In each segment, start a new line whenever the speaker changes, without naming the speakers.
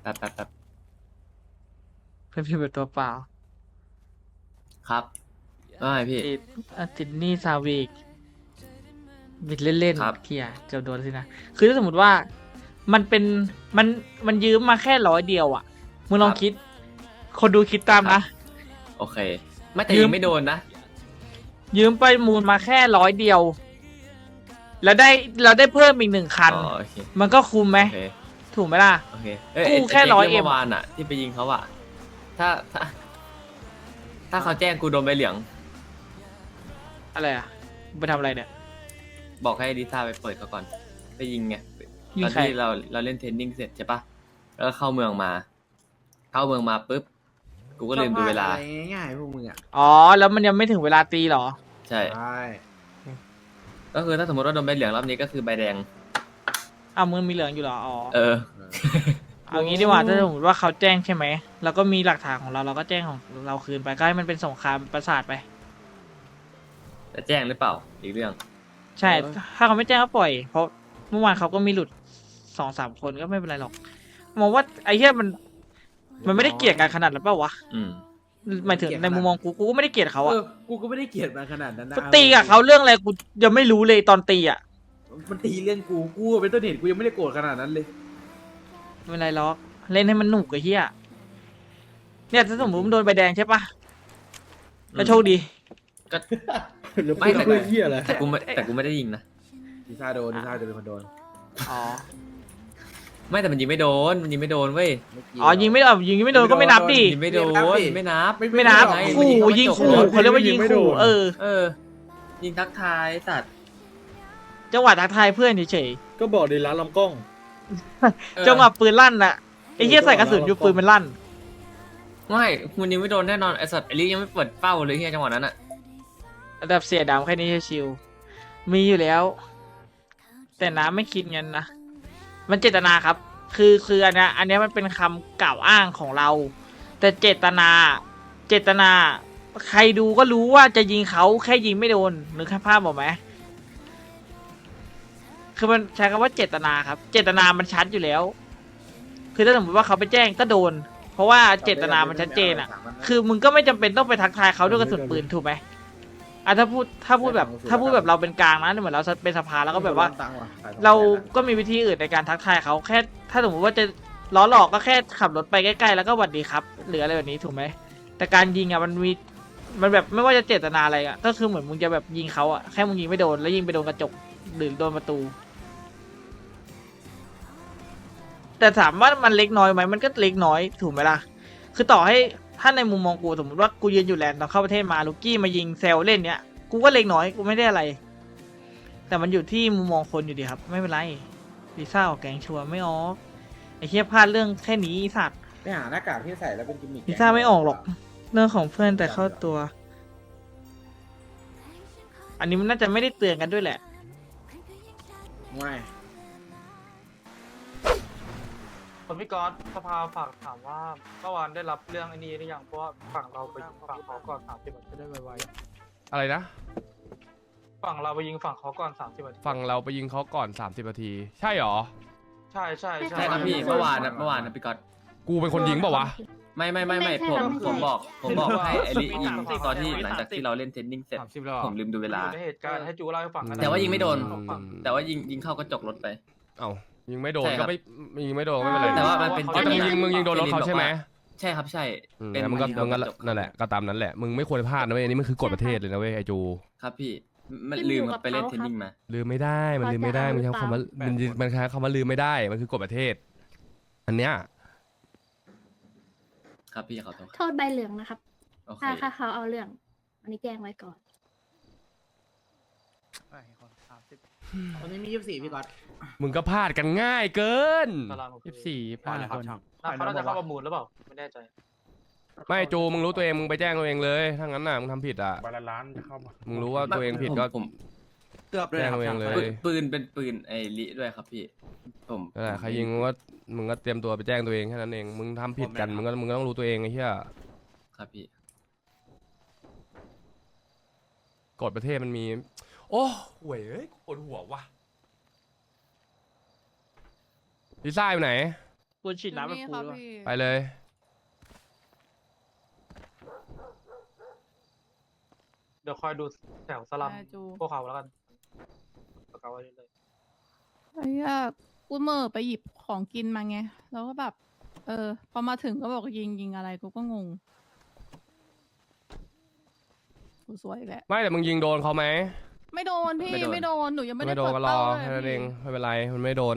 แป๊บ
เพื่อนพี่เป็นตัวเปล่า
ครับว่าไงพี่
ติดหนี่ซาวีกบิดเล่น
ครับ
ๆเกียร์จะโดนสินะคือถ้าสมมติว่ามันเป็นมันมันยืมมาแค่100 เดียวอ่ะมึงลองคิดคนดูคิดตามนะ
โอเคไม่แต่
ยืม
ยังไม่โดนนะ
ยืมไปมูลมาแค่100 เดียว แล้วได้เพิ่มอีก1 คัน
อ๋อโอเค
มันก็คุ้มไหม
โอเค
ถูกไหมล่ะ
โอเค
กู้แค่
ไเจ๊
100
เมื่อวานอ่ะ ที่ไปยิงเขาอ่ะถ้าถ้าถ้าเขาแจ้งกูโดนใบเหลือง
อะไรอ่ะไปทำอะไรเนี่ย
บอกให้ดิซ่าไปเปิดเขาก่อน ไปยิงไง
ยิ
ต
ง
อน
ใคร
ที่เราเล่นเทรนนิ่งเสร็จใช่ปะแล้วก็เข้าเมืองมา เข้าเมืองมาปุ๊บกูก็ลืมดูเวลา
อะไรง่ายๆพวกมึงอ่ะ
อ๋อ แล้วมันยังไม่ถึงเวลาตีเหรอ
ใช่
ใช่
ก็คือถ้าสมมติว่าโดนใบเหลืองรอบนี้ก็คือใบแดง
อ้าวมึงมีเหลืองอยู่เหรอ อ๋อ
เออ
เอางี้ดีกว่าถ้าสมมติว่าเขาแจ้งใช่ไหมแล้วก็มีหลักฐานของเราเราก็แจ้งของเราคืนไปก็ให้มันเป็นสงครามประสาทไป
จะแจ้งหรือเปล่า อีกเรื่อง
ใช่ ถ้าเขาไม่แจ้งก็ปล่อย เพราะเมื่อวานเขาก็มีหลุด2-3 คนก็ไม่เป็นไรหรอกมองว่าไอ้เหี้ยมันไม่ได้เกลียดกันขนาดนั้นเปล่าวะ
อืม
หมายถึงในมุมมองกูก็ไม่ได้เกลียดเขาอะ
กูก็ไม่ได้เกลียดมันขนาดนั้นนะ
ก็ตีกับเขาเรื่องอะไรกูยังไม่รู้เลยตอนตีอะ
มันตีเรื่องกูเป็นต้นเหตุกูยังไม่ได้โกรธขนาดนั้นเลย
ไม่เป็นไรหรอกเล่นให้มันหนุกไอ้เหี้ยเนี่ยถ้าสมมติมันโดนใบแดงใช่ปะแล้วโชคดี
ก็
หรือ
ไม่แต่
เพื่อเหี้ยอะไร
แต่กูไม่ได้ยิงนะ
ดิซ่าจะเป็นคนโดน
อ๋อ
ไม่แต่มันยิงไม่โดน มันยิงไม่โดนเว้ย
อ๋อยิงไม่โดนก็ไม่นับดิ
ยิงไม่โดน ไม่นับ
ไม่นับ
ไง
ขู่ยิงขู่เขาเรียกว่ายิงขู่เออ
เออ ยิงทักทายสัตว์
จังหวะทักทายเพื่อนเฉย
ก็บอกดีร้านลำกล้อง
ๆจังหวะปืนลั่นน่ะไอ้เหี้ยใส่กระสุนอยู่ปืนมันลั่น
ไม่มันยิงไม่โดนแน่นอนไอสัตว์ไอลิยังไม่เปิดเป้าเลยเฮียจังหวะนั้นอะ
ระดับเสียดำแค่นี้ชิวๆมีอยู่แล้ว แต่น้ำไม่คิดเงินนะมันเจตนาครับ คืออันเนี้ยมันเป็นคำกล่าวอ้างของเรา แต่เจตนาใครดูก็รู้ว่าจะยิงเขาแค่ยิงไม่โดนนึกภาพบอกไหมคือมันใช้คำว่าเจตนาครับ เจตนามันชัดอยู่แล้ว คือถ้าสมมติว่าเขาไปแจ้งก็โดน เพราะว่าเจตนามันชัดเจนอ่ะ คือมึงก็ไม่จำเป็นต้องไปทักทายเขาด้วยกระสุนปืนถูกไหมอ่ะถ้าพูดแบบเราเป็นกลางนะเหมือนเราเป็นสภาแล้วก็แบบว่า เราก็มีวิธีอื่นในการทักทายเขาแค่ถ้าสมมติว่าจะล้อหลอกก็แค่ขับรถไปใกล้ๆแล้วก็หวัดดีครับหรืออะไรแบบนี้ถูกไหมแต่การยิงอ่ะมันแบบไม่ว่าจะเจตนาอะไรอ่ะก็คือเหมือนมึงจะแบบยิงเขาอ่ะแค่มึงยิงไม่โดนแล้วยิงไปโดนกระจกหรือโดนประตู แต่ถามว่ามันเล็กน้อยไหมมันก็เล็กน้อยถูกไหมล่ะคือต่อให้ถ้าในมุมมองกูสมมติว่ากูยืนอยู่แลนด์ตอนเข้าประเทศมาลูกี้มายิงเซลเล่นเนี้ยกูก็เล็กน้อยกูไม่ได้อะไร แต่มันอยู่ที่มุมมองคนอยู่ดีครับ ไม่เป็นไรลิซ่าออกแกงชัวร์ไม่ออกไอ้เหี้ยพลาดเรื่องแค่นี้ไอ้สัตว์
ไปหาหน้ากากที่ใส่แล้วเป็นกิมมิค
ลิซ่าไม่ออกหรอก เรื่องของเพื่อนแต่เข้าตัว อันนี้มันน่าจะไม่ได้เตือนกันด้วยแหละ
ไม่
คนพี่ก๊อตสภาฝากถามว่าเมื่อวานได้รับเรื่องไอ้นี้หรือยังเพราะว่าฝั่งเราไปยิงฝั่งเขาก่อน30 นาทีจะได้ไว
อะไรนะ
ๆฝั่งเราไปยิงฝั่งเขาก่อน30 นาที
ฝั่งเราไปยิงเขาก่อน 30 นาที ใช่หรอ
ใช่ใช่
ใช่ครับพี่ เมื่อวานนะพี่ก๊อต
กูเป็นคนยิงเปล่าวะ
ไม่ผมบอกให้ไอลิยิงตอนที่หลังจากที่เราเล่นเทรนนิ่งเสร็จ
30 แล้วเหรอ
ผมลืมดูเวลา
อยู่ในเหตุการณ์ให้จูเล่าให้ฟังกันนะ
แต่ว่ายิงไม่โดน
อืม
แต่ว่ายิงเข้ากระจกรถไป
เอ้ายิงไม่โดน
ใช่ครั
ก็
บ
ไม่ยิงไม่โดนก็ไม่เป็นไร
แต่ว่ามันเป็น
อ๋อแต่มึงยิงโดนรถเขาใช่ไหม
ใช่ครับใช่
งั้นมึงก็นั่นแหละก็ตามนั้นแหละ มึงไม่ควรพลาดนะเว้ยอันนี้มันคือกฎประเทศเลยนะเว้ยไอจู
ครับพี่ มันลืมครับไปเล่นเทรนนิ่งมา
ลืมไม่ได้มันลืมไม่ได้มันใช้คำว่ามันใช้คำว่าลืมไม่ได้มันคือกฎประเทศ อันเนี้ย
ครับพี่ขอโทษ
โทษใบเหลืองนะครับ
โอเค
ถ้าเขาเอาเรื่อง อันนี้แจ้งไว้ก่อน
วันนี้มี24พี่ก๊อต
มึงก็พลาดกันง่ายเกิน
ตารางโอเค
24
5 คนเขาน่าจะเข้าประมูลหรือเปล่าไม่แน่ใจ
ไม่จูมึงรู้ตัวเองมึงไปแจ้งตัวเองเลยถ้างั้นน่ะมึงทำผิดอ่ะ
บาลานจะเข้ามา
มึงรู้ว่าตัวเองผิดก็
ผม
เกือบเลย
แจ้งตัวเองเลย
ปืนเป็นปืนไอลิด้วยครับพี่ ผม
นั่นแหละใครยิงมึงก็เตรียมตัวไปแจ้งตัวเองแค่นั้นเองมึงทำผิดกันมึงก็ต้องรู้ตัวเองไอ้เหี้ย
ครับพี่
กฎประเทศมันมี โอ้ห่วยเอ้ยปวดหัวว่ะลิซ่าอยู่ไหน
ควรฉีดน้ำแบบกู
ครับ
ด้วย
พี่
ไปเลย
เดี๋ยวคอยดูแถวสลัม
ได้จู
พวกเขาแล้วกันประกาศไว้เลย
ไอ้เหี้ยกูเหม่อไปหยิบของกินมาไง แล้วก็แบบ พอมาถึงก็บอกยิงอะไรกูก็งงกูสวยแหละ
ไม่แต่มึงยิงโดนเขาไหม
ไม่โดนพี่
ไม่โดน
หนูยังไม่ได้
ไม่โดน
เปิด
ก็รอ
เป้าเลย
แค่นั้น
พี่
เองไม่เป็นไรมันไม่โดน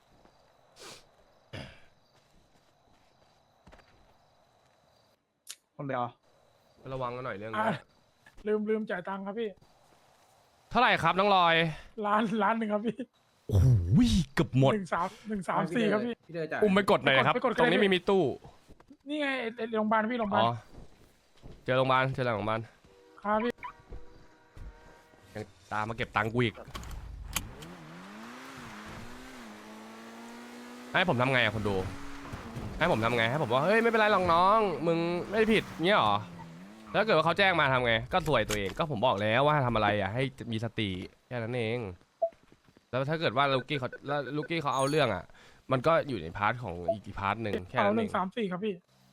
คนเดียว
ระวังกันหน่อยเรื่อง
อ่ะ
นี้
ลืมจ่ายตังค์ครับพี่
เท่าไหร่ครับน้องลอย
ล้านหนึ่งครับพี่
โอ้โหเกือบหมด
134ครับพี่
พี่เดยจ่าย
อุ้มไปกดหน่อยนะครับ
ไปกด
ตรงนี้
ไปกด
มีตู้
นี่ไงไอ้โรงพยาบาลพี่โรงพยาบา
อ๋
ล
อเจอโรงพยาบาลเจอหลังโรงพยาบาล
ครับพี่
ยังตามมาเก็บตังค์กูอีกให้ผมทำไงอะคนดูให้ผมทำไงให้ผมว่าเฮ้ยไม่เป็นไรหรอกน้องมึงไม่ได้ผิดเงี้ยหรอแล้วถ้าเกิดว่าเขาแจ้งมาทำไงก็สวยตัวเองก็ผมบอกแล้วว่าทำอะไรอ่ะให้มีสติแค่นั้นเองแล้วถ้าเกิดว่าลูกกี้เขาเอาเรื่องอ่ะมันก็อยู่ในพาร์ทของอีกพาร์ทหนึ่งแค่
เอา
นั้นเอง
134ครับพี่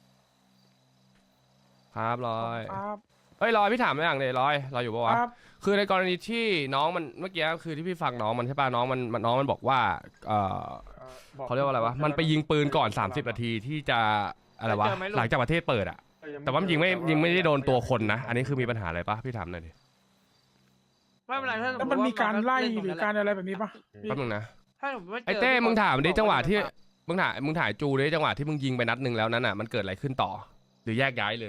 ครับลอย
ครับ
เฮ้ยลอยพี่ถามไม่อย่างเลยลอยอยู่ปะวะ
ครับ
คือในกรณีที่น้องมันเมื่อกี้คือที่พี่ฟังน้องมันใช่ป่ะน้องมันบอกว่าเขาเรียกว่าอะไรวะมันไปยิงปืนก่อน30นาทีที่จะอะไรวะหลังจากประเทศเปิดอ่ะแต่ว่ามันยิงไม่ได้โดนตัวคนนะอันนี้คือมีปัญหาอะไรปะพี่ถามหน่อยดิ
ไม่เป็นไรถ้าส
แล้ว
ติ
มันมีการไล่
ว่
หรือการอะไรแบบนี้ปะพี่
แป๊บนึงนะ
ถ้าสมมติว่าจ
ไอ้เต้มึงถามดิจังหวะที่มึงถ่ายจูดิจังหวะที่มึงยิงไปนัดหนึ่งแล้วนั้นอ่ะมันเกิดอะไรขึ้นต่อ หรือแยกย้ายเลย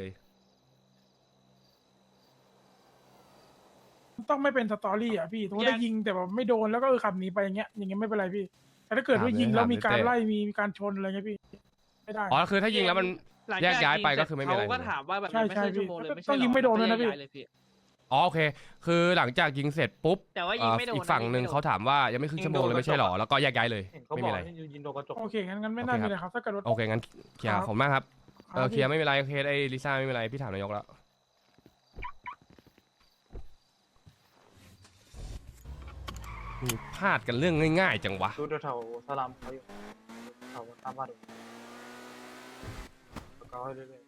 ต้องไม่เป็นสตอรี่อ่ะพี่ถ้าได้ยิงแต่แบบไม่โดนแล้วก็ขับหนีไปอย่างเงี้ยไม่เป็นไรพี่ แต่ถ้าเกิดว่ายิงแล้วมีการไล่มีการชนอะไรเงี้ยพี่ไม่ได้
อ๋อคือถ้ายิงแล้วมัน
หลัง
แย
จาก
ย้ายไป
ง
ก็คือไม่มีอะไร
เขาก็ถามว่าแบบ
ใช่
ไม่ใช่
ใช่
ชั่วโมงเลย
พี่
ไม่ใช่
ต้องยิงไม่โดนด้วยนะพี่
แกเลยพี่
อ๋อโอเค คือหลังจากยิงเสร็จปุ๊บ
แต่ว่ายิงไม่โดน
อีกฝั่งหนึ่งเขาถามว่ายังไม่ครึ่งชั่วโมงเลยไม่ใช่หรอแล้วก็แยกย้ายเลย
เห็นเขา
ไม่
บอ
มี
ก
อะไร
ให้ยินโดนกระจก
โอเคงั้นไม่น่ามีอะไรครับถ้าเกิดว่า
โอเคงั้นเคลียร์ผมมากครับ
ครับ
เคลียร์ไม่มีอะไรเคสไอ้ลิซ่าไม่มีอะไรพี่ถามนายกแล้วมีพลาดกันเรื่องง่ายๆจังวะ
ดูแถวๆสลัมเขาอยู่แถวตามบ้านประกาศไว้เรื่อย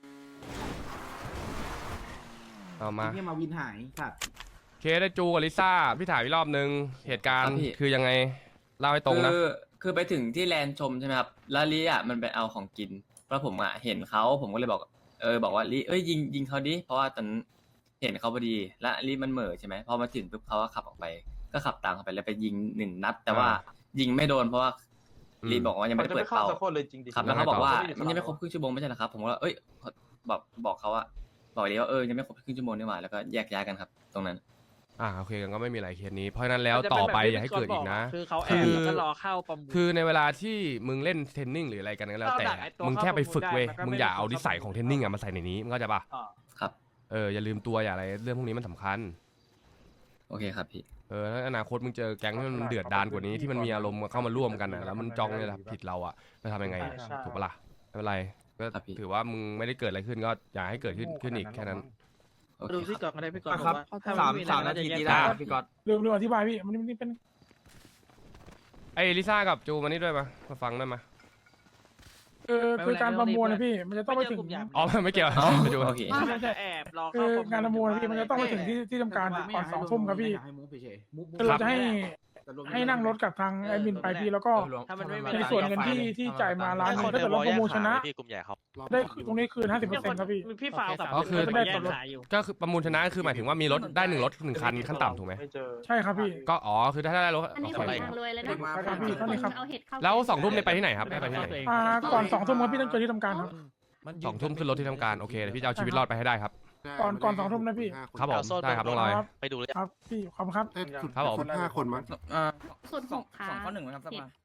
เอามา
ที่มาวินหายสัตว์
เคสไอ้จูกับลิซ่าพี่ถ่ายอีกรอบนึงเหตุการ
ครั
ณ์
บพี่
คือยังไงเล่าให้ตรงนะ
คือไปถึงที่แลนด์ชมใช่ไหมครับแล้วลิอ่ะมันไปเอาของกินเพราะผมอ่ะเห็นเขาผมก็เลยบอกบอกว่าลิยิงเขาดิเพราะว่าตอนนั้นเห็นเขาพอดีแล้วลิมันเหม่อใช่ไหมพอมาถึงปุ๊บเขาก็ขับออกไปก็ขับตามเขาไปแล้วไปยิง1 นัด แต่ว่ายิงไม่โดนเพราะว่าลิบอกว่า
ๆ
ยังไม่ได้
จะ
เปิ
ไม่
ด
เข้า
เป้า
สักคนเลยจริงดิ
ครับแล้วเขาบอกว่า
ไม่ได้
มันยังไม่ครบครึ่งชั่วโมงไม่ใช่เหรอครับผมก็เอ้ยบอกเขาว่าบอกเลยว่ายังไม่ครบครึ่งชั่วโมงนี่หว่าแล้วก็แยกย้ายกันครับ ตรงนั้น
โอเคกันก็ไม่มีอะไรเคสนี้เพราะฉะนั้นแล้วต่อไปอย่าให้เกิดอีกนะ
คือเขาแอบแล้วก็รอเข้าประมูล
คือในเวลาที่มึงเล่นเทรนนิ่งหรืออะไรกันก็แล้วแต่
เราดักไอ้ตัว
มึงแค่ไปฝึกเว้ย
เข้าประมูลได้
มึงอย่าเอา
มันก็ไม่ได้
นิสัยของเทรนนิ่งอะมาใส่ในนี้มึงเข้าใจปะ
อ่า
ครับ
อย่าลืมตัวอย่าอะไรเรื่องพวกนี้มันสำคัญ
โอเคครับพี่
ถ้าอนาคตมึงเจอแก๊งที่มันเดือดดานกว่านี้ที่มันมีอารมณ์เข้ามาร่วมกันอะแล้วมันจ้องเนี่ยแหละผิดเราอะจะทำยังไงอะ
ใช่
ถูกปะล่ะไม่เป็นไรก็
ครับพี่
ถือว่ามึงไม่ได้เกิดอะไรขึ้นก็อย่าให้เกิดขึ้นอีกแค่นั้น
โอเค
ดู
ค
พี่
รับ
กอนก็ได้พี่กอน
ครับ
บอกว่า
สาม
ไอะไร
สามนาที
จะ
ที่
แย
ได้
ก
ครับพี่ก๊อต
ลืมอธิบายพี่มันเป็น
ไอ้ลิซ่ากับจูมานี่ด้วยมาฟังได้มา
คือการประมวลนะพี่มันจะต้องไปถึง
อ๋อไม่เกี่ยว
อ๋อ
ไปดู
โอเค
ไม่ใช่แอบรอ
คื
เข้า
อ
ประมูล
งานประมวลนะพี่มันจะต้องไปถึงที่ทำการก่อน2 ทุ่มครับพี่
ให้มุกเฉยๆมุก
คือเราจะให้นั่งรถกับทางแอดมินไปพี่แล้วก็
ถ้ามันไม่มี
ในส่วนเงินที่จ่ายมาล้านหนึงถ้าเกิดเราประมูลชนะ
พี่กลุ่มใหญ่ครับ
ได้ตรงนี้คืน 50%ครับพี่
พี่ฟาวกับ
อ๋อคือ
ได้ส่วนลดขายอยู่
ก็คือประมูลชนะคือหมายถึงว่ามีรถได้1 รถ 1 คันขั้นต่ำถูกไหม
ไม่เจอ
ใช่ครับพี่
ก็คือถ้าได้รถ
อันนี้
โอ
ขอ
เค
ทางรวยเลยนะ
ครับพี่เท่านี้ครับ
เอาเห็ดเข้า
แล้ว2 ทุ่มเนี่ยไปที่ไหนครับไปที่ไหน
ก่อน2 ทุ่มครับพี่ต้องเจอที่ทำการครับ
2 ทุ่มขึ้นรถที่ทำการโอเคเดี๋ยวพี่จะเอาชีวิตรอดไปให้ได้ครับ
ก่อน2 ทุ่มนะพี่
ครับผมได้ครับน้องลอย
ครับ
ไปดูเลย
ครับพี่ขอบคุณครับ
ครับผม
5 คนมั้ง
ส่วน6ค่ะ
2 ข้อ 1ไหมครับสภา